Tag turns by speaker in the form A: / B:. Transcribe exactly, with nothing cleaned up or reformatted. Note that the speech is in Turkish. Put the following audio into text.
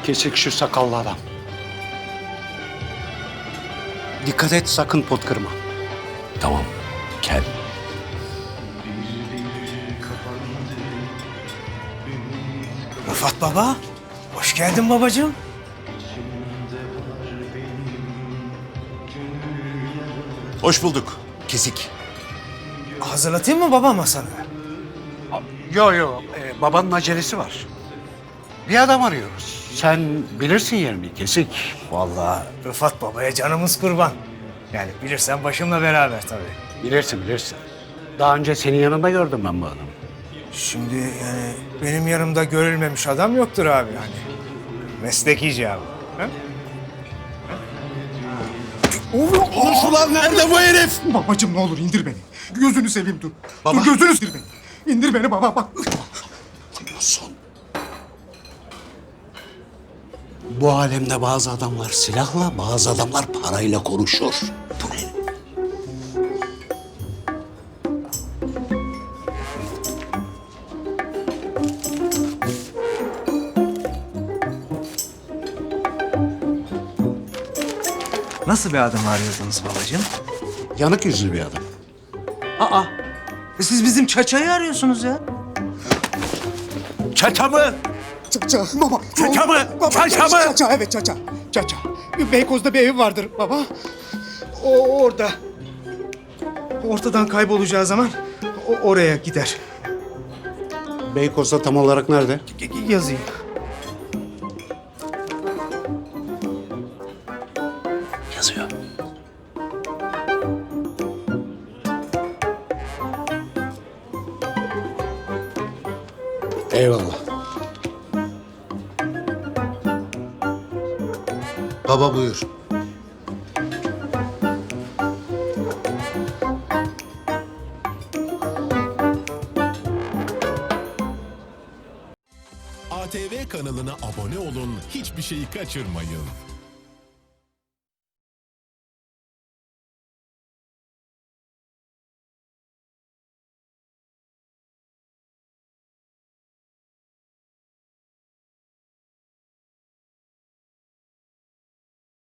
A: Kesik şu sakallı adam. Dikkat et, sakın pot kırma.
B: Tamam, kel.
C: Rıfat baba, hoş geldin babacığım.
B: Hoş bulduk. Kesik.
C: Hazırlatayım mı baba masanı?
A: Yo yo, e, babanın acelesi var. Bir adam arıyoruz. Sen bilirsin yerini, Kesik.
C: Vallahi Rıfat babaya canımız kurban. Yani bilirsen başımla beraber tabii.
A: Bilirsin, bilirsin. Daha önce senin yanında gördüm ben bu adamı.
C: Şimdi yani benim yanımda görülmemiş adam yoktur abi yani. Meslek icabı. Ha?
B: Konuş ulan, nerede bu herif?
D: Babacığım ne olur indir beni. Gözünü seveyim dur.
B: Baba.
D: Dur gözünü indir beni. İndir beni baba bak.
B: Son.
A: Bu alemde bazı adamlar silahla, bazı adamlar parayla konuşur. Bu ne?
C: Nasıl bir adam arıyordunuz babacığım?
A: Yanık yüzlü bir adam.
C: Aa, e siz bizim Çaça'yı arıyorsunuz ya.
B: Çata mı?
D: Çaça baba.
B: Çaça mı?
D: Baba,
B: Çaça mı?
D: Çaça evet çaça. Çaça. Beykoz'da bir evi vardır baba. O orada.
C: Ortadan kaybolacağı zaman o oraya gider.
A: Beykoz'da tam olarak nerede?
C: Y- y- yazayım.
B: Yazıyor.
A: Eyvallah.
B: Baba buyur.
E: A T V kanalına abone olun, hiçbir şeyi kaçırmayın.